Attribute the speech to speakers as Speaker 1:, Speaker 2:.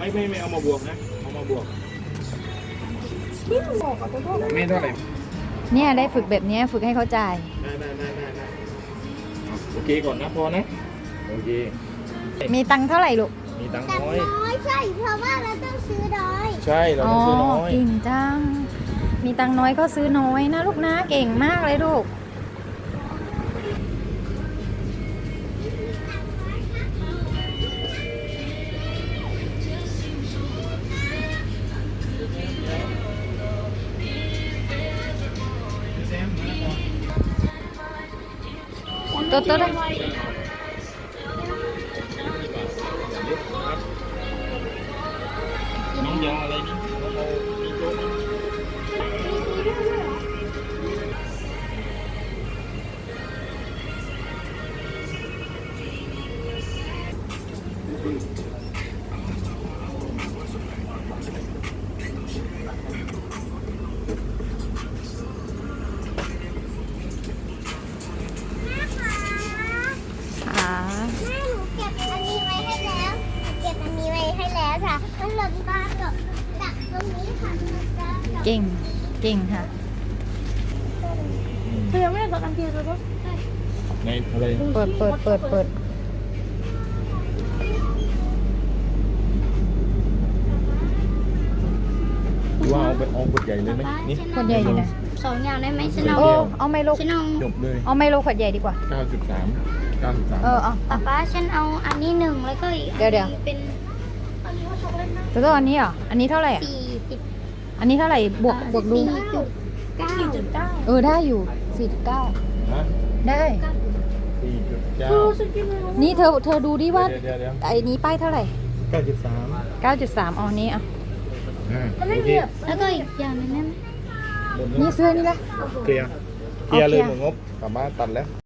Speaker 1: ไม่เอามาบวกนะเอามาบวก
Speaker 2: ที่หนูบอกกับตัว
Speaker 1: ไม่เท่าไหร่
Speaker 3: เนี่ยได้ฝึกแบบเนี้ยฝึกให้เขาจ่าย
Speaker 1: ได้โอเคก่อนนะพอนะโอเค
Speaker 3: มีตังค์เท่าไหร่ลูก
Speaker 1: มีตังค์
Speaker 2: แต่
Speaker 1: น้อย
Speaker 2: น้อยใช่เพราะว่าเราต้องซื้อน้อย
Speaker 1: ใช่เราต้องซื้อน้อย
Speaker 3: เก่งจัง มีตังค์น้อยก็ซื้อน้อยนะลูกนะ เก่งมากเลยลูก ตัวได้
Speaker 1: น้องยาอะไรนี่น้องเอามีโจ๊กไหม
Speaker 3: อ่า
Speaker 2: แม่หนูเก็บอันนี้ไว้ให้แล้วหนูเก็บอันนี้ไว้ให้แล้วค่ะมันหล่นมากับจากตรงนี้ค่ะมันจะกับ
Speaker 3: เก่ง เก่งค่ะ
Speaker 2: เธอยังไม่ได้บอกกันเทียนเลยปะ
Speaker 1: ในอะไร
Speaker 3: เปิด
Speaker 1: ว่าเอาไปเอาขวดใหญ่เลยไหมนี่
Speaker 3: ขวดใหญ่อยู่ไหน
Speaker 2: สองอย่างได้ไหมฉัน
Speaker 3: โอ้
Speaker 2: เอา
Speaker 3: เอาไมโล
Speaker 2: ฉันเอา
Speaker 1: จบเลย
Speaker 3: เอาไมโลขวดใหญ่ดีกว่า
Speaker 1: 9.3
Speaker 3: เออเอา
Speaker 2: ป้าฉันเอาอันนี้หนึ่งแล้วก็อีก
Speaker 3: เดี๋ยว
Speaker 2: เป็นอันนี้ว่าช็อกโกแลตนะ
Speaker 3: ตัวอันนี้เหรอ อันนี้เท่าไหร่อ่ะ
Speaker 2: 40
Speaker 3: อันนี้เท่าไหร่ บวกดู
Speaker 2: 4.9
Speaker 3: เออได้อยู่ 49
Speaker 1: ฮะ
Speaker 3: ได้
Speaker 1: 4.9
Speaker 3: นี่เธอดูดิว่า
Speaker 1: เดี๋ยว
Speaker 3: ไอ้นี้ป้ายเท่าไหร่
Speaker 1: 9.3
Speaker 3: 9.3เอาอันนี้อ่ะ
Speaker 1: โอเค
Speaker 2: แล้วก็อีกอย่างหนึงได้ไหม
Speaker 1: หมด
Speaker 3: นี่
Speaker 1: แล้ว
Speaker 3: เสื้อนี่ละ
Speaker 1: เคลียร์เลยหมดงบกลับบ้านตัดแล้ว